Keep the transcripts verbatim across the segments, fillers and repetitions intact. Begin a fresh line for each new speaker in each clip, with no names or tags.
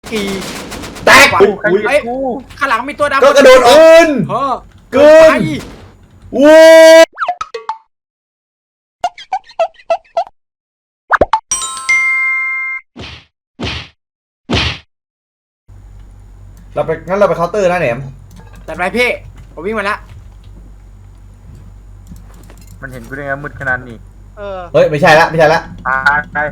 กี่
แตกอุ้ย
เฮ้ยข้างหลังมีตัวดำ
ก็กระโดดอื่นเกินวู้เราไปงั้นเราไปเคาน์เตอร์นะแหนม
จัดไปพี่ผมวิ่งมาแล้ว
มันเห็นกูได้ไงมืดขนาดนี้
เออ
เฮ้ยไม่ใช่ละไม่ใช่ละ
ตายไป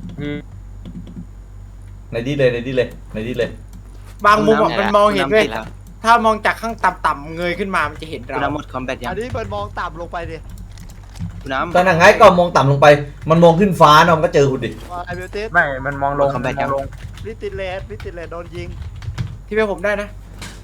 ในดีเลยในดีเลยในดีเลย
บางมุมมันมองเห็นด้วยถ้ามองจากข้างต่ำๆเงยขึ้นมามันจะเห็นเรา
น้ำหมดคอมแบทยัง
อันนี้มันมองต่ำลงไปดิ
น้ำ
ตอนนั้นไงก็มองต่ำลงไปมันมองขึ้นฟ้าเนาะมันก็เจอคุณดิ
ไอเบลติส
ไม่มันมองลงมองลง
วิติเลสวิติเลสโดนยิงที่เพื่อผมได้นะ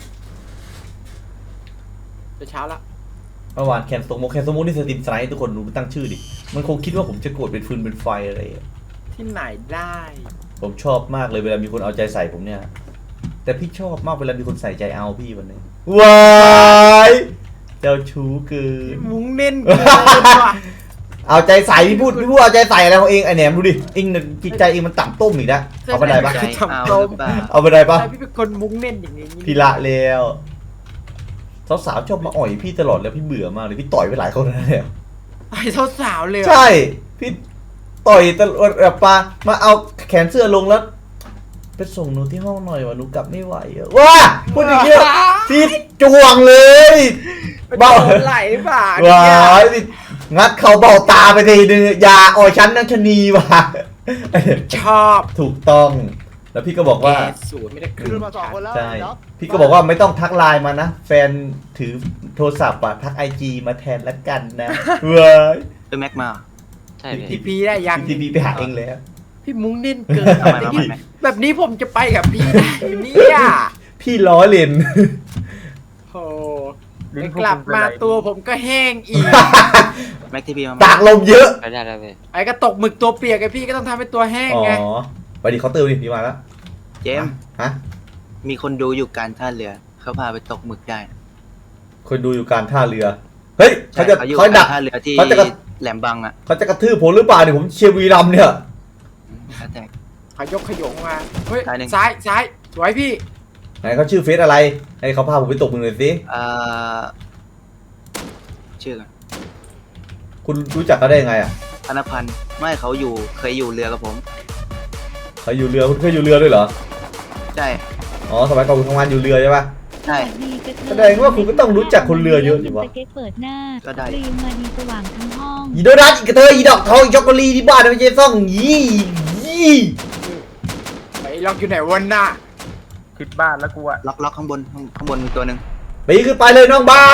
จะเช้าละ
เมื่อวานแคนสโมกแคนสโมกนี่สตรีมสไนท์ทุกคนรู้ตั้งชื่อดิมันคงคิดว่าผมจะโกรธเป็นฟืนเป็นไฟอะไร
ที่ไหนได้
ผมชอบมากเลยเวลามีคนเอาใจใส่ผมเนี่ยแต่พี่ชอบมากเวลามีคนใส่ใจเอาพี่วันนี้ว้ายเจ้าชู้เกิน
มุ้งเน้นเกินว่ะ
เอาใจใส่พี่พูดพี่พูดเอาใจใส่อะไรของเองไอแหนมดูดิเองจิตใจเองมันต่ำต้มอีกนะเอาไปได้ปะเอาไปได้ปะ
พี่เป็นคนมุ้งเน้นอย่างนี้
พี่ละแล้วสาวๆชอบมาอ่อยพี่ตลอดแล้วพี่เบื่อมากเลยพี่ต่อยไปหลายคนแล้วเนี่ย
ต่อยสาวๆเลย
ใช่พี่ต่อยตลอดแบบปามาเอาแขนเสื้อลงแล้วไปส่งหนูที่ห้องหน่อยว่ะหนูกลับไม่ไหวอะว้าพูดอย่างเงี้ยพี่จวงเลย
เบาไหลบ่า
ว้างัดเขาเบาตาไปทีนึงอย่าอ่อยฉันนักชนีว่ะ
ชอบ
ถูกต้องแล้วพี่ก็บอกว่า
สูตรไม่ได้ขึ้นมาสองคนแล้ว
ใช่พี่ก็บอกว่าไม่ต้องทักไลน์มานะแฟนถือโทรศัพท์อะทักไอจีมาแทนละกันนะเว้ย
เป็นแม็กมา
ใช่ทีพีได้ยัง
ทีพีไปหาเองแล้ว
พี่มุ้งเน้นเกินแบบนี้ผมจะไปกับพี่ได้เนี่ย
พี่ล้อเล่น
โอ้กลับมาตัวผมก็แห้งอีก
แม็กทีพี
ตากลมเยอะ
ไปได้แล้วเลย
ไอ้ก็ตกหมึกตัวเปียกไอ้พี่ก็ต้องทำให้ตัวแห้งไง
อ๋อไปดิเขาเติมดิพี่มาแล้ว
เจม
ฮะ
มีคนดูอยู่การท่าเรือเขาพาไปตกหมึกได้
คนดูอยู่การท่าเรือเฮ้ยเขาจะ
เขาดักท่าเรือที่แหลมบังอ่ะ
เขาจะกระทืบผมหรือเปล่าเนี่ยผมเชียร์วีรัมเนี่ย
ขยกขยงมาเฮ้ยซ้ายซ้ายสวยพี่
ไหนเขาชื่อเฟซอะไรให้เขาพาผมไปตกมึงเลยสิ
อ่าชื่อ
คุณรู้จักเขาได้ยังไงอ่ะ
ธนพันธ์ไม่เขาอยู่เคยอยู่เรือกับผม
เขาอยู่เรือคุณเคยอยู่เรือด้วยเหรอ
ใช่
อ๋อสมัยก่อนคุณทำงานอยู่เรือใช่ปะ
ใช่
แสดงว่าคุณก็ต้องรู้จักคนเรือเยอะอยู่วะ
ก็ได้
รีมมาดีสว่างทั้งห้อง
อีโดนัทอีกระเทยอีดอกทองอีช็อกโกแลตที่บ้านไม่ใช่ซ่องยี่ยี่
ไอ้ล็อกอยู่ไหนวันน่ะ
คิดบ้านแล้วกูอะ
ล็อกล็อกข้างบนข้างบนตัวหนึ่ง
ไปขึ้นไปเลยน้องบ้า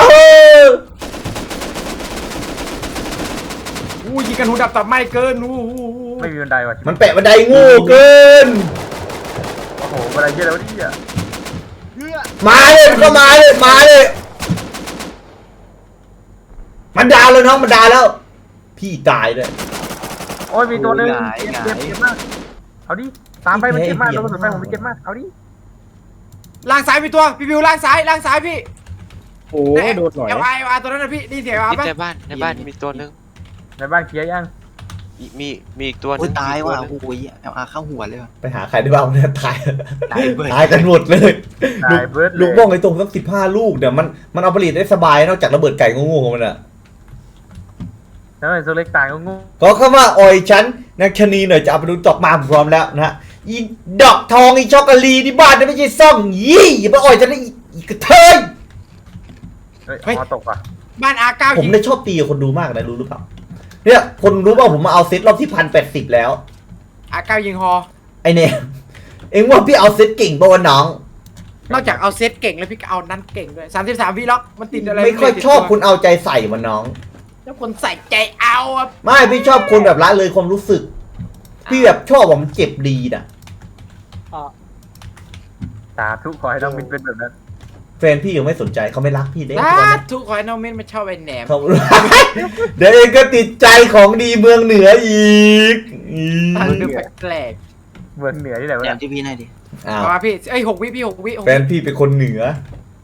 อู้ยิงกันหูดับตับไม่เกินอู้
ไม่มีบันไดว่ะ
มันแปะบันไดงูเกิน
โอ้โหบันไดเยอะแล้วดิอ่ะ
มาเลยก็มาเลยมาเลยมันดาวเลยน้องมันดาวแล้วพี่ตายเลย
โอ้ยมีตัวนึงเจ็บเจ็บมากเอาดิตามไปมันเจ็บมากโดนกระสุนไปผมมันเจ็บมากเอาดิ
ล่างซ้ายมีตัวพี่วิวล่างซ้ายล่างซ้ายพี่
โอ้โดนหน่อย
เอไออาตัวนั้นนะพี่นี่เสียอา
ปะในบ้านในบ้านมีตัวนึง
ในบ้านเคลียร์ยัง
มีมีอีกตัวนึ
งตายว่ะโอ้ยเอลอาเข้าหัวเลย
ไปหาใครได้บ้างเนี่ยตายตายกันหมดเลยลูกบ้องไอ้ตรงสักสิบห้าลูกเนี่ยมันมันเอาผลิตได้สบายนอกจากระเบิดไก่งูของมันอ่ะ
แล้วไอ้ตัวเล็กตายก็งู
ก็เข้ามาอ่อยฉันนักชนีหน่อยจะเอาไปดูดอกมาพร้อมแล้วนะอีดอกทองอีช็อกโกแลตที่บ้านไม่ใช่ซ่องยี่อย่ามาอ่อยฉันนะอีกระเทย
เฮ้ยตกอ่ะ
บ้านอาเก้า
ผมได้ชอบตีคนดูมากนะรู้หรือเปล่าเนี่ยคนรู้ว่าผมมาเอาเซตรอบที่พันแปดสิบแล้ว
อาเก้ายิงฮอ
ไอเนี่ยเอ็งว่าพี่เอาเซตเก่งป่ะวะน้อง
นอกจากเอาเซตเก่งแล้วพี่ก็เอานั้นเก่งด้วยสามสิบสามวิล็อกมันติดอะไร
ไม่ค่อยชอบคุณเอาใจใส่วะน้อง
แล้วคนใส่ใจเอา
ไม่พี่ชอบคนแบบละเลยความรู้สึกพี่แบบชอบว่ามันเจ็บดีน่ะ
สาธุขอให้น้องมินเป็นแบบนั้น
แฟนพี่ยังไม่สนใจเขาไม่รักพี่เด้
สาธุขอให้น้องมินมาชอบไอ้แหนม
เดี๋ยวเองก็ติดใจของดีเมืองเหนืออีก
มันดูแปลก
เมืองเหนือที่ไหนวะ
แหนมที่พี่ไหนดิ
มาพี่ไอ้หกวิพี่หกวิ
แฟนพี่เป็นคนเหนือ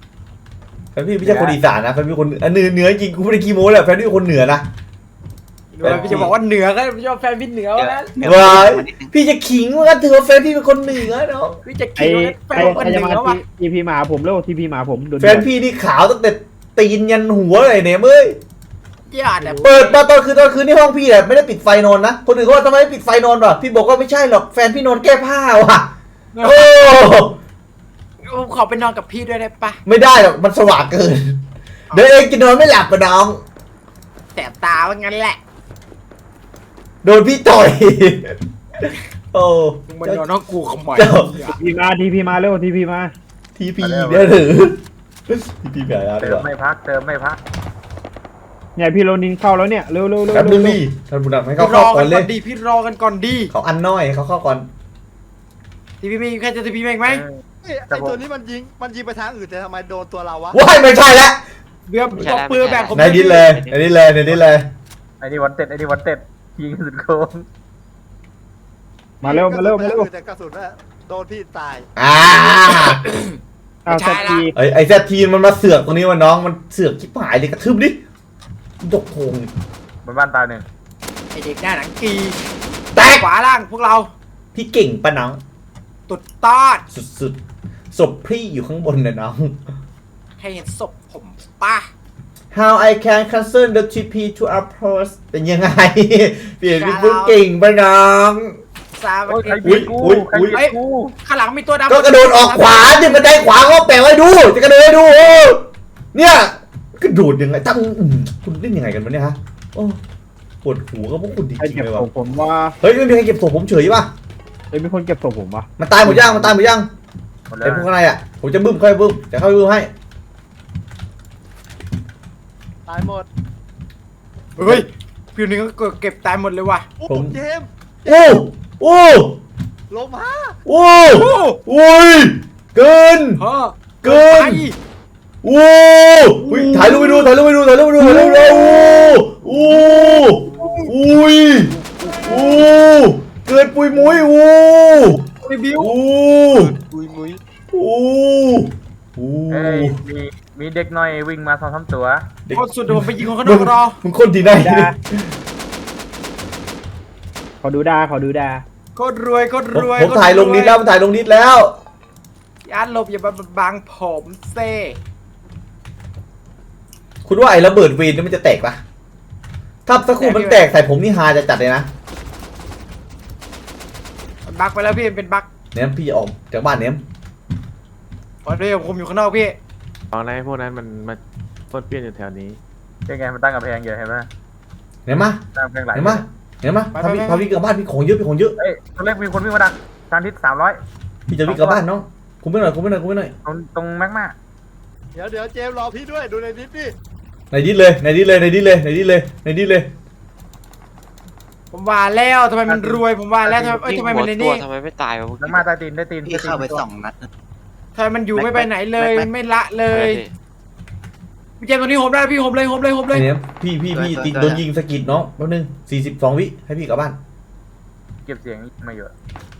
แฟนพี่ไม่ใช่คนอีสานนะแฟนพี่คนเหนือเหนือจริงกูไม่ได้ขี้โม้แหละแฟนพี่เป็นคนเหนือนะ
หรือว่าพี่จะบอกว่าเหนือก็พี่ชอบแฟนพี่เหนือวะนะ
เดี๋ยว
ว้าย
เดี๋ยว
พี่จะขิงว่ากันถือว่าแฟนพี่เป็นคนเหนือเนาะ
พี่จะ
ไอ้
คิดว่าแฟ
ไอ้
นคน
ไอ้
เห
จะ
นื
มา
อวะ
ทีพีมาหาผมแล้วทีพีมาหาผมโดน
แฟนพี่นี่ขาวตั้งแต่ตีนยันหัวเลยเนี่ยเอ้ย
ญาติเนี่ย
เปิดมาตอนคืนตอนคืนที่ห้องพี่แหละไม่ได้ปิดไฟนอนนะคนอื่นเขาว่าทำไมไม่ปิดไฟนอนวะพี่บอกว่าไม่ใช่หรอกแฟนพี่นอนแก้ผ้าว่ะโอ้
ผมขอไปนอนกับพี่ด้วยได้ปะ
ไม่ได้หรอกมันสว่างเกินเดี๋ยวเองจะนอนไม่หลับปะน้อง
แสบตาว่างั้นแหละ
โดนพี่ต่อยโอ้
มึงมานอนน้องกูขโมย
เจ้า
ทีพีมาทีพีมาเร็วทีพีมา
ทีพีเนี่ยหรือทีพีแบบอะไร
เติม
วะ
ไม่พักเติมไม่พักเนี่ยพี่โรนินเข้าแล้วเนี่ยเร็วเร็วเร็ว
แป๊บนึง
เร็ว
พี่ท่านผู้นำให้
พี่
เขา
รอ
เข้าก่
กั
อน น
ก่
เล
อย นดีพี่รอกันก่อนดี
เขาอันน้อยเขาเข้าก่อน
ทีพี่มีใครจะทีพี่มีอีกไหม
เอ้ยไอตัวนี้มันยิงมันยิงไปทางอื่นแต่ทำไมโดนตัวเราวะ
ว้ายไม่ใช่แล้ว
เบื่อตบปืนแบบผม
ในดินเลยในดินเลยในดินเลย
ไอ้นี่วันเต็ดไอ้นี่วันเต็ดยิงสุดโค้งมาเร็วมาเร็วมาเร็ว
แต่กระสุนน่ะโดนพี่ตาย
อ่า
เอาสักที
ไอไอแซทีนมันมาเสือกตรงนี้วะน้องมันเสือกชิบหายเลยกระทืบดิดกโพง
บนบ้านตายหนึ่ง
ไอเด็กหน้าหนังกี
แตก
ขวาล่างพวกเรา
พี่เก่งปะน้อง
ตุดตอด
สุดๆศพพี่อยู่ข้างบนนะน้อง
ให้เห็นศพผมป่ะ
How I can cancel the ที พี to our post เป็นยังไง เปลี่ยนเป็นผู้เก่งปะน้อง
ซา
โอ้ย
เก
ใคร
ต
บีบกู
อุ๊ย
ใคร
อุ๊ย
บีบกู
ข้างหลังมีตัวดำ
ก็กระโดดออกขวาดิบันไดขวาเขาแปะไว้ดูจะกระโดดให้ดูโอ้เนี่ยกระโดดยังไงตั้งอืมคุณเล่นยังไงกันวะเนี่ยฮะโอ้ปวดหัวก็พวกคุณจ
ใคร
ริง
เก็
ๆ
บ
เลย
ศ
ว่ะ
พผมว่า
เฮ้ยไม่มีใครเก็บศพผมเฉยป่ะ
เอ้ยมีคนเก็บศพผมปะ
มันตายหมดยังมันตายหมดยัง
หมดแล้
ไอ้
ว
พวกข้างในอ่ะผมจะบึ้มค่อยบึ้มจะเข้าไปบึ้มให้
ตายหมด
เฮ้ยพี่นึงก็เก็บตายหมดเลยว่ะ
โอ้
ผม
เจมส์
โอ้โอ้
ลงมา
โอ้โอ้ยเกิน
เฮ้อ
เกิน
ไป
โอ้อุ๊ยถ่ายรูปไปดูถ่ายรูปไปดูถ่ายรูปไปดูถ่ายรูปไปดูโอ้โอ้อุ้ยโอ้เกินปุยมุ้ยโอ้
รีวิว
โอ้
มุยมุย
โอ้โอ้
เอ้ยมีมีเด็กน้อยวิ่งมาสองสามตัว
โคตรสุดเดี๋ยวผมไปยิงคนข้างนอกรอ
มึงคนที่ไหน
ดาขอดูดาขอดูดา
โคตรรวยโคตร
ผม
รวย
ผมถ่ายลงนิดแล้วผมถ่ายลงนิดแล้ว
ยานหลบอย่ามาบังผมเซ่
คุณว่าไอ้ระเบิดเวนนี่มันจะแตกปะถ้าสักครู่มันแตกใส่ผมนี่ฮาจะจัดเลยนะ
มันบักไปแล้วพี่มันเป็นบัก
เนี่ยพี่จะออกจากบ้านเนี่ย
พอด้วยผมอยู่ข้างนอกพี่
ตอนนั้นพวกนั้นมันมาป้วนเปี้ยนอยู่แถวนี้
ยังไงมันตั้งกำแพงอยู่เห็นไหม
เนี่ยมา
ตั้งกำแพงหลาย
เนี่ยมาเนี่ยมาพาพี่พาพี่กลับบ้านพี่ของเยอะพี่ของเยอะ
เอ้ยตัวเล็กมีคนวิ่งมาดักทางทิศสามร้อย
พี่จะวิ่งกลับบ้านน้องคุมไม่หน่อยคุมไม่หน่อยคุมไม่หน่อย
ตรงตรงแม็กมา
เดี๋ยวเดี๋ยวเจมส์รอพี่ด้วยดูในนิดดิ
ในดิสเลยในดิสเลยในดิสเลยในดิสเลยในดิสเลย
ผมว่าแล้วทำไมมันรวยผมว่าแล้วทำไมเอ้ย
ยิง
ทำไม
หั
มั
วน
ใน
ตั
นี่
วทำไมไม่ตายวะพวก
แม็กมาใต้ตีนได้ตีน
พี่เข้าไปสองนัดนะ
ทำไมมันอยู่ไม่ไปไหนเลย
แม็ก
ไม่ละเลยพี่เจมส์ตัวนี้ผมได้พี่ผมเลยผมเลยผมเลย
ไอ้เนี่ยพี่พี่พี่ติดโดนยิงสะกิดน้องแป๊บนึงสี่สิบสองวิให้พี่กลับบ้าน
เก็บเสียงมาเยอะ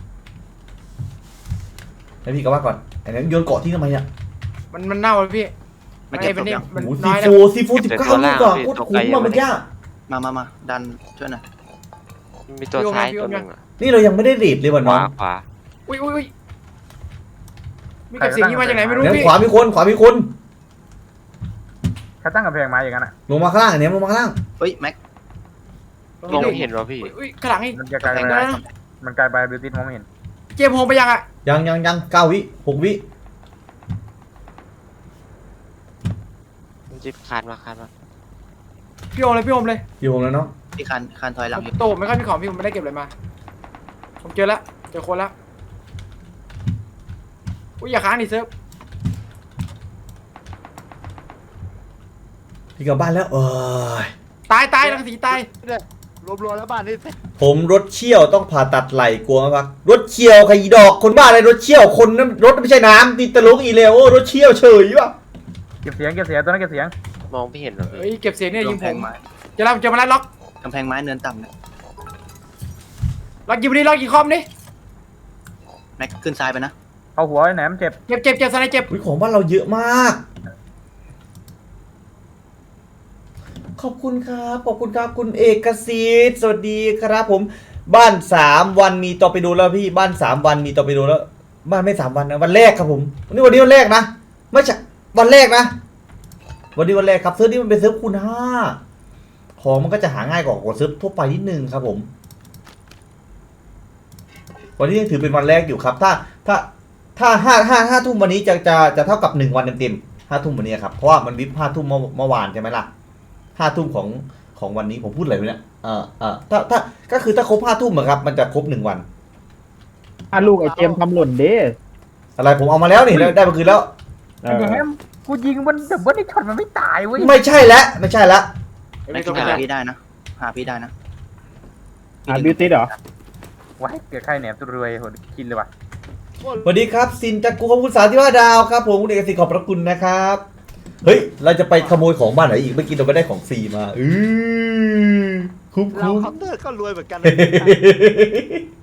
ให้พี่กลับบ้านก่อนไอ้เนี่ยโยนเกาะที่ทำไมเนี่ย
มันมันเน่าเลยพี่
มาเก็บศพ
นี่
ยัง
มัน
โอ้
น้
ซี
อย
โฟ
แล้ว
ซีโฟสิบเก้าลูกอ่ะโคตรคุ้มอ่ะมันยาก
มามามาดันช่วยหน่อย
มีตัวท้ายตัวหนึ่งอะ
นี่เรายังไม่ได้เรทเลยว่ะ
ข
น้อ
วาง ขวา
อุ้ยอุ้ยอุ้ยมีเก็บเสียงนี้มาจากไหนไม่รู้
เนี่ย
พี่
ขวามีคนขวามีคน
ถ้าตั้งกำแพงมาอย่างนั้นอ่ะ
ลงมาข้างล่างไอ้เนี่ยลงมาข้างล่าง
เฮ้ยแม็ก
มองไม่เห็นวะพี่
อุ้ยอุ้ยข้างหลังนี่
มันจะกลายเป็น
เดี๋ยวนะ
มันกลายไปบิวตี้มองไม่เห็น
เจมส์โฮมไปยังอ่ะ
ยังยังยังเก้าวิหกวิ
มันจิบคานมาคานมา
พี่โฮมเลยพี่โฮมเลย
อยู่ผมแล้วเนาะ
พี่คันคันถอยหลังอยู่
โตไม่ค่อยมีของพี่ผมไม่ได้เก็บอะไรมา ผมเจอแล้วเจอคนแล้วอุ้ยอย่าค้างดิเซิร์ฟ
พี่กลับบ้านแล้วเอ้ย
ตายตายรังสีตาย
เนี่ยรวมๆแล้วบ้านนี่
ผมรถเชี่ยวต้องผ่าตัดไหล่กลัวมากรถเชี่ยวใครอีดอกคนบ้าอะไรรถเชี่ยวคนนั้นรถไม่ใช่น้ำตีตะลุกอีเลวโอ้รถเชี่ยวเฉยป่ะ
เก็บเสียงเก็บเสียงตัวนั้นเก็บเสียง
มองไม่เห็นวะ
เฮ้ย
พี่
เก็บเสียงเนี่ยยิง
กำแพ
ผ
ง
ม
ไม้
เจะรับเจอมาแล้วล็อก
กำแพงไม้เนินต่ำนะ
ล็อกยิงไปดิล็อกยิงคอมดิ
แม็กขึ้นซ้ายไปนะ
เอาหัวไอ้แหนมเจ็บ
เจ็บเจ็บเจ็บสไนเจ็บ
อุ๊ยของบ้านเราเยอะมากขอบคุณครับขอบคุณครับคุณเอกสิทธิ์สวัสดีครับผมบ้านสามวันมีต่อไปดูแล้วพี่บ้านสามวันมีต่อไปดูแล้วบ้านไม่สามวันนะวันแรกครับผมวันนี้วันนี้วันแรกนะไม่ใช่วันแรกนะวันนี้วันแรกครับเซิร์ฟนี่มันเป็นเซิร์ฟคูณห้าของมันก็จะหาง่ายกว่ากว่าเซิร์ฟทั่วไปนิดนึงครับผมวันนี้ยังถือเป็นวันแรกอยู่ครับถ้าถ้าถ้าห้าห้าห้าทุ่มวันนี้จะจะจะเท่ากับหนึ่งวันเต็มๆห้าทุ่มวันนี้ครับเพราะว่ามันวิปห้าทุ่มเมื่อเมื่อวานใช่ไหมล่ะห้าทุ่มของของวันนี้ผมพูดอะไรไปเนี่ยเออเออถ้าถ้าก็คือถ้าครบห้าทุ่มอะครับมันจะครบหนึ่งวัน
อ่ะลูกไอเจมทำหล่นเด้
อะไรผมเอามาแล้วนี่ได้มาคืนแล้ว
ไอ้แฮมกูยิงมันแต่ว่าไอ้ช็อตมันไม่ตายเว้ย
ไม่ใช่แล้วไม่ใช่แล้ว
ไม่กินหาพี่ได้นะหาพี่ได้นะ
อ่ะบิวตี้เหรอว้ายเกิดใครแหนมตัวรวยโหดกินเลยว่ะ
สวัสดีครับซินจากกูขอบคุณสามที่ว่าดาวครับผมคุณเอกสิทธิ์ขอบพระคุณนะครับเฮ้ยเราจะไปขโมยของบ้านไหนอีกเมื่อกี้เราไม่ได้ของฟรีมาอือคุ้ม
เรา
คุ้ม
เคาน์เตอร์ก็รวยเหมือนกันนะ